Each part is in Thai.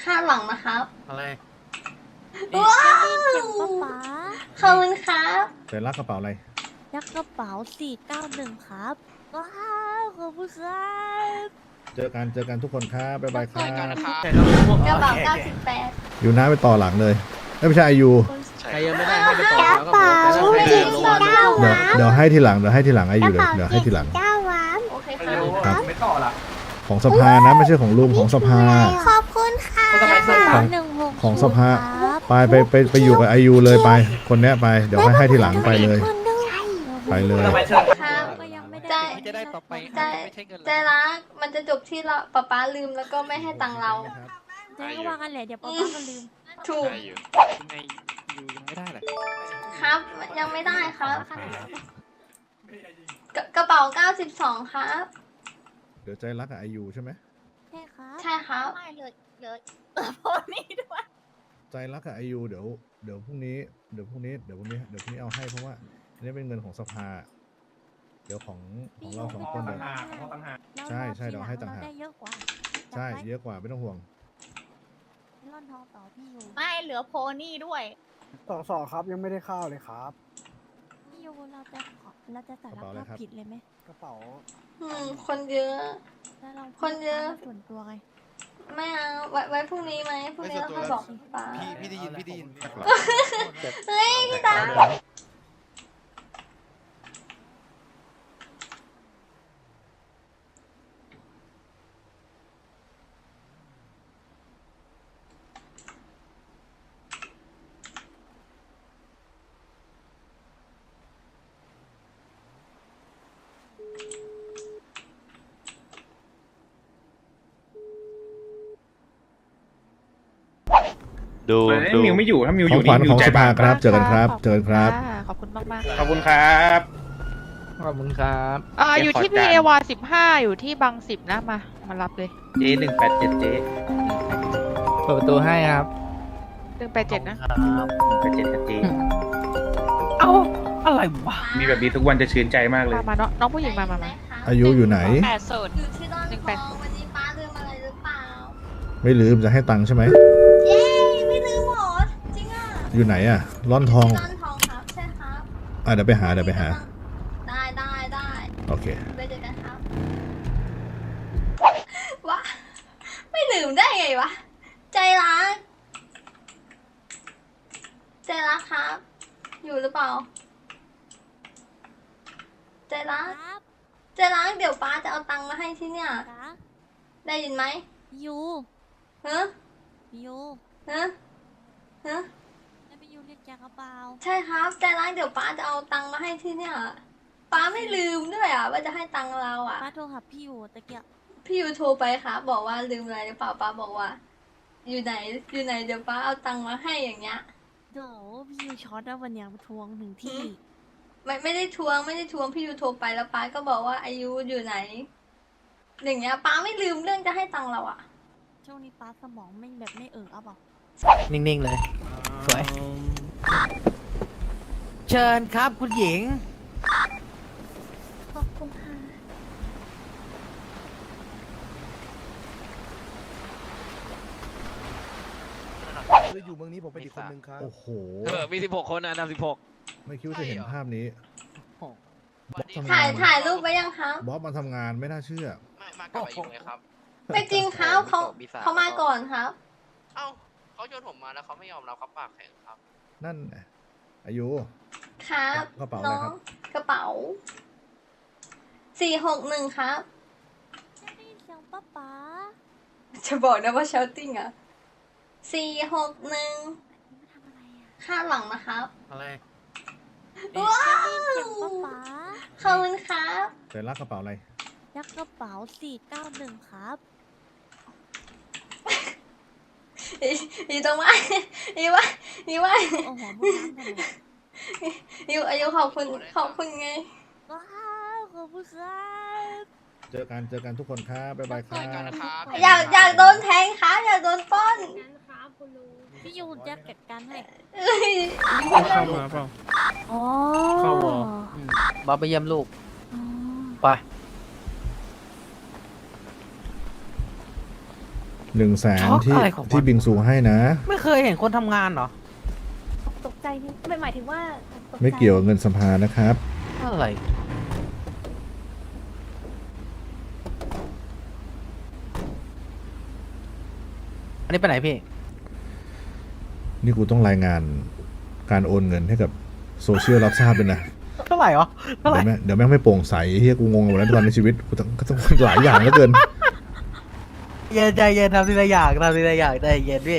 ข้างหลังนะครับอะไรว้าวเสียงป๊าป๊าขอบคุณครับแต่รักกระเป๋าอะไรยักกระเป๋า491ครับว้าวขอบคุณครับเจอกันทุกคนครับบ๊ายบายครับกระเป๋า98 อยู่น้าไปต่อหลังเลยไม่ใช่อายุใครยังไม่ได้ให้ไปต่อแล้วก็บอกแต่ถ้าใครจริได้งลงเปล่าเดี๋ยวให้ทีหลังอายุเลยเดี๋ยวให้ทีหลังโอเคครับครับของสภานะไม่ใช่ของลุงของสภาขอบคุณค่ะของ 160 ของสภาครับไปอยู่กับอายุเลยไป คนเนี้ยไปเดี๋ยวให้ทีหลังไปเลย ไปเลยครับก็ยังไม่ใจได้จะได้ต่อไปใจไม่ใช่เงินใจรักมันจะจบที่เราป๊าลืมแล้วก็ไม่ให้ตังค์เราเจ๊ก็วางกันแหละเดี๋ยวป๊าป๊าก็ลืมถูกยังไงอยู่ยังไม่ได้เลยครับ ยังไม่ได้ครับ กระเป๋า92ครับเดี๋ยวใจรักกับอายุใช่ไหมใช่ครับใช่ครับไม่เลยโพนี่ด้วยใจรักกับอายุเดี๋ยวพรุ่งนี้เอาให้เพราะว่าอันนี้เป็นเงินของสภา เดี๋ยวของเราสองคนเดี๋ยว ใช่เดี๋ยวให้ต่างหากได้เยอะกว่าใช่เยอะกว่าไม่ต้องห่วงร่อนทองต่อพี่อยู่ไม่เหลือโพนี่ด้วยสองครับยังไม่ได้เข้าเลยครับพี่อยู่เราจะสารภาพผิดเลยไหมกระเป๋าคนเยอะแล้วเราคนเยอะส่วนตัวไงไม่เอาไว้พรุ่งนี้ไหมพรุ่งนี้เราค่อยบอกป้าพี่ได้ยินเฮ้ยพี่ตาดูมิวไม่อยู่ถ้ามิวขอองยู่ขวัญนี่มิขวองใจสภาบางครับเจอกันครับขอบคุณมากมากขอบคุณครับขอบคุณครับอยู่ที่เดี๋พียวขอเอจานวา15 อยู่ที่บาง10นะมารับเลยเจ๊187เจ๊เปิดประตูให้ครับ 187นะ 187เจ๊เอ้าอะไรวะมีแบบนี้ทุกวันจะชื่นใจมากเลยมาน้องผู้หญิงมาอายุอยู่ไหนอยู่ที่ร่อนทองวันนี้ป้าลืมอะไรหรือเปล่าไม่ลืมจะให้ตังค์ใช่ไหมเย้ไม่ลืมหรอจริงอ่ะอยู่ไหนอ่ะร่อนทองร่อนทองครับใช่ครับเดี๋ยวไปหาได้โอเคไปเจอกันครับวะไม่ลืมได้ไงวะใจรักครับ อยู่หรือเปล่าใจรักครับเดี๋ยวป้าจะเอาตังค์มาให้ที่เนี่ยจ้าได้ยินไหมยูฮะยูฮะแล้วไปยูเรียกแกกระเป๋าใช่ครับใจรักเดี๋ยวป้าจะเอาตังค์มาให้ที่เนี่ยป้าไม่ลืมด้วยอ่ะว่าจะให้ตังค์เราอ่ะป้าโทรหาพี่อยู่ตะเกียบพี่ยูโทรไปครับบอกว่าลืมอะไรหรือเปล่าป้าบอกว่า อยู่ไหนเดี๋ยวป้าเอาตังค์มาให้อย่างเงี้ยเดี๋ยวพี่ยูช็อตแล้ววันเนี้ยมาทวงถึงที่ไม่ได้ทวงพี่ยูโทรไปแล้วป้าก็บอกว่าอายุอยู่ไหนอย่างเงี้ยป้าไม่ลืมเรื่องจะให้ตังค์เราอ่ะช่วงนี้ป้าสมองไม่แบบไม่เอาเปล่านิ่งๆเลย สวย เชิญครับคุณหญิงขอบคุณค่ะคืออยู่เมืองนี้ผมเป็นอีกคนนึงครับโอ้โหมี16 คนนะนำ16 ไม่คิดว่าจะเห็นภาพนี้บ๊อบทำงนถ่ายรูปไว้ยังครับบ๊อบมาทำงานไม่น่าเชื่อมากับอายุไงครับไม่จริงครับเขามาก่อนครับเอ้าเขาโยนผมมาแล้วเขาไม่ยอมรับเขาปากแข็งครับนั่นน่ะอายุครับกระเป๋าอะไรครับกระเป๋า461ครับได้ยินเสียงป้าป๊าจะบอกนะว่า shouting อ่ะ461 นี่มาทำอะไรอ่ะข้างหลังนะครับอะไรว้าได้ยินวเสียงป้าป๊าขอบคุณครับแต่รักกระเป๋าอะไรยักกระเป๋า491ครับอีตรงว่าอีว่าโอ้โหพูดน้ำกันเลยอายุขอบคุณไงว้าวขอบคุณครับเจอกันทุกคนครับบ๊ายบายครับอยากโดนแทงครับอยากโดนปล้นพี่ยูจะจัดการให้เอ้ยเข้ามาเปล่าอ๋อเข้าวอ บ๊อบไปเยี่ยมลูกอ๋อไป 100,000 ช็อกที่อะไรของมันที่บิงซูให้นะไม่เคยเห็นคนทำงานเหรอตกใจนี่ไม่หมายถึงว่าตใจไม่เกี่ยวกับเงินสภานะครับอะไร อันนี้ไปไหนพี่นี่กูต้องรายงานการโอนเงินให้กับโซเชียลรับทราบด้วยนะเท่าไหร่เหรอ เท่าไหร่เดี๋ยวแม่งไม่โปร่งใสเฮียกูงงหมดแล้วทุกวันในชีวิตกูต้องหลายอย่างเหลือเกินเย็นใจเย็นทำทีละอย่างทำทีละอย่างใจเย็นพี่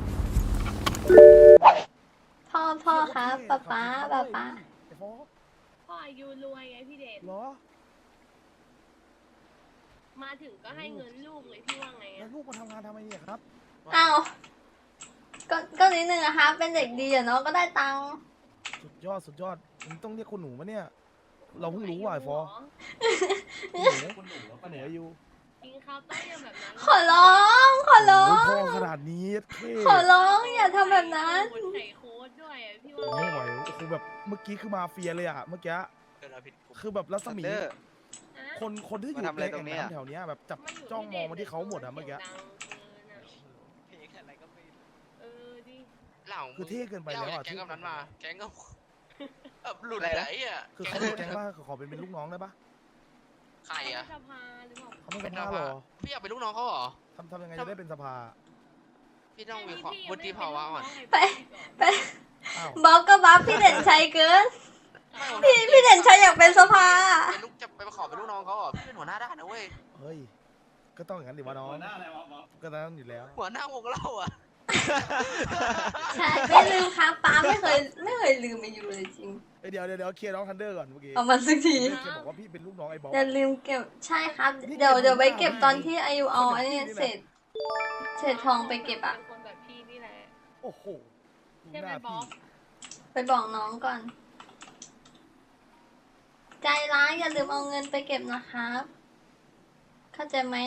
พ่อครับป๊าป๊าไอ้โฟกพ่ออายุรวยไงพี่เดชเหรอมาถึงก็ให้เงินลูกเลยพี่ว่าไงแล้วลูกมาทำงานทำไมเนี่ยครับอ้าวก็นิดนึงอะครับเป็นเด็กดีอะเนาะก็ได้ตังค์สุดยอดสุดยอดมึงต้องเรียกคุณหนูมาเนี่ย เราเพิ่งรู้ว่าไอ้โฟกคุณหนูป้าเหนืออยู่กินข้าวต้มยำแบบนั้นขอร้องขอร้อโอ้ยงพ่อขนาดนี้เท่ขอร้องอย่าทำแบบนั้นใส่โค้ดด้วยอะพี่ผมว่าไม่ไหวโอ้โหแบบเมื่อกี้คือมาเฟียเลยอะเมื่อกี้คือแบบรัศมี คนที่อยู่ในแอ่งน้ำแถวเนี้ยแบบจับจ้องมองมาที่เขาหมดอะเมื่อกี้เออดิเหล่าคือเท่เกินไปแล้วอะแก๊งกำนั้นมา แก๊งก็แบบหลุดไหนอ่ะคือเขาเป็นแก๊งว่าขอเป็นลูกน้องได้ปะใครอ่ะสภาหรือเปล่าเขาเป็นสภาเหรอพี่อยากเป็นลูกน้องเขาเหรอทำยังไงจะได้เป็นสภาพี่ต้องมีความวุฒิภาวะก่อนไปอ้าวบ๊อบก็บ๊อบพี่เด่นชัยเกิน พี่เด่นชัยอยากเป็นสภาเป็นลูกจะไปขอเป็นลูกน้องเขาเหรอพี่เป็นหัวหน้าด้านนะเว้ยเฮ้ยก็ต้องอย่างนั้นดิวะน้องก็ต้องอยู่แล้วหัวหน้าวงเราอ่ะใช่ไม่ลืมครับป้าไม่เคยลืมไปอยู่เลยจริงเดี๋ยวเคลียร์น้องทันเดอร์ก่อนเมื่อกี้เอามาสักทีแกบอกว่าพี่เป็นลูกน้องไอ้บ๊อบอย่าลืมเก็บใช่ครับ เดี๋ยวไปเก็บตอนที่อายุเอาอันนี้เศษทองไปเก็บอะเป็นคนแบบพี่นี่แหละโอ้โหดูใช่หไหมน้าบ๊อพี่บไปบอกน้องก่อน ใจร้ายอย่าลืมเอาเงินไปเก็บนะครับ เข้าใจไหม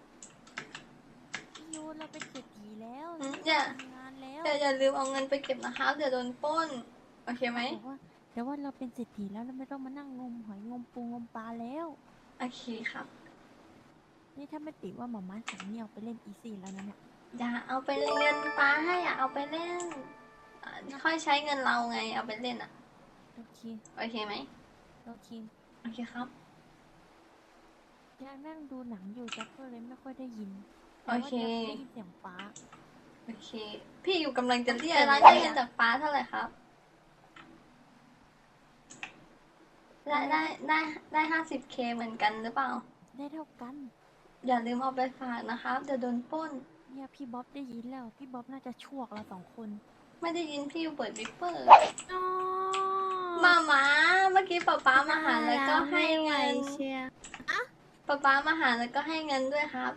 พี่ยูเราเป็นเศรษฐีแล้วอืมอย่าทำงานแล้วอย่าลืมเอาเงินไปเก็บนะครับเดี๋ยวโดนปล้น โอเคไหมบอกว่าแต่ว่าเราเป็นเศรษฐีแล้วเราไม่ต้องมานั่งงมหอยงมปูงมปลาแล้วโอเคครับนี่ถ้าไม่ติดว่าหมอม้าสั่งนี่เอาไปเล่นอีซี่แล้วนะเนี่ยอย่าเอาไปเล่นเงินป้าให้อย่าเอาไปเล่นค่อยใช้เงินเราไงเอาไปเล่นอ่ะโอเคโอเคไหมโอเคโอเคครับยายนั่งดูหนังอยู่แจ็คก็เลยไม่ค่อยได้ยินโอเคแต่ว่าได้ยินเสียงป้าโอเค พี่อยู่กำลังจะเรียกร้านได้เงินจากป้าเท่าไหร่ครับ ได้50K เหมือนกันหรือเปล่าได้เท่ากันอย่าลืมเอาไปฝากนะครับเดี๋ยวโดนปล้นเนี่ยพี่บ๊อบได้ยินแล้ว พี่บ๊อบน่าจะชวกเรา2 คนไม่ได้ยินพี่เปิดวิปเปอร์อ๋อมาเมื่อกี้ป๊ามาหาแล้วก็ให้เงินเชียร์ป๊ามาหาแล้วก็ให้เงินด้วยครับ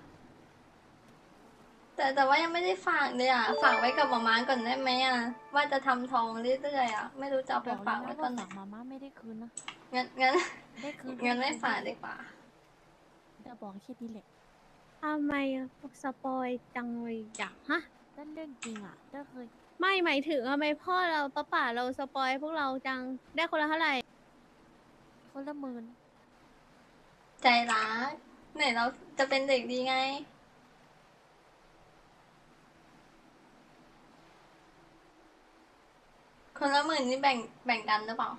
แต่ว่ายังไม่ได้ฝากเลยอ่ะ ฝากไว้กับมาก่อนได้ไหมอ่ะ ว่าจะทำทองเรื่อยๆอ่ะ ไม่รู้จะเอาไปบอกฝากแล้วไว้นะตอว่านไหนฝากมาม่าไม่ได้คืนนะงั้นได้คืนงั้นไม่ฝากดีกว่าจะบอกแค่นี้แหละทำไมสปอยจังเลยอยากฮะนั่นเรื่องจริงอ่ะก็เคยไม่หมายถึงทำไมพ่อเราป้าเราสปอยพวกเราจังได้คนละเท่าไหร่คนละหมื่นใจรักไหนเราจะเป็นเด็กดีไง คนละ10,000นี่แบ่งกันหรือเปล่า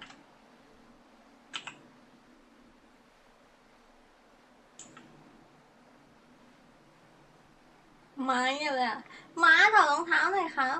ไม้อะไรอ่ะม้าถอดรองเท้าหน่อยครับ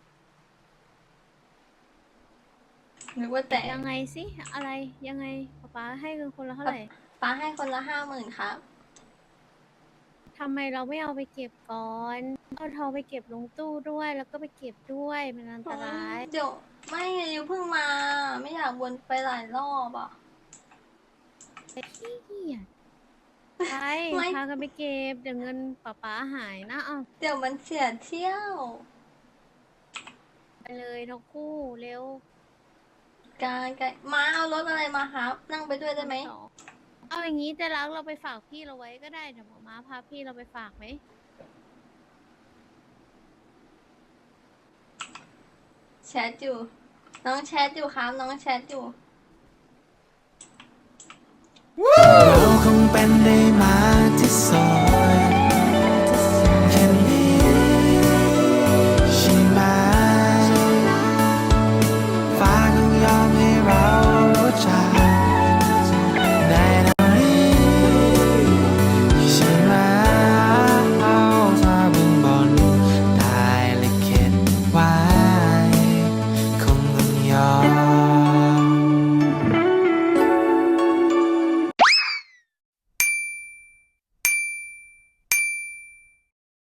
นึกว่าแต่ยังไงสิอะไรยังไงป๊าให้เงินคนละเท่าไหร่ป้าให้คนละ50,000ครับทำไมเราไม่เอาไปเก็บก่อนเอาทองไปเก็บลงตู้ด้วยแล้วก็ไปเก็บด้วยมันอันตรายเดี๋ยวไม่อยู่เพิ่งมา ไม่อยากวนไปหลายรอบอ่ะขี้เกียจไปไม่พากันไปเก็บเดี๋ยวเงินป๊าหายนะเอาเดี๋ยวมันเสียเที่ยวไปเลยทั้งคู่เร็วการม้าเอารถอะไรมาครับ นั่งไปด้วยได้ไหมสองเอาอย่างนี้จะรักเราไปฝากพี่เราไว้ก็ได้เดี๋ยวหมอม้าพาพี่เราไปฝากไหมแชทอยู่ น้องแชทอยู่ครับ น้องแชทอยู่เราคงเป็นได้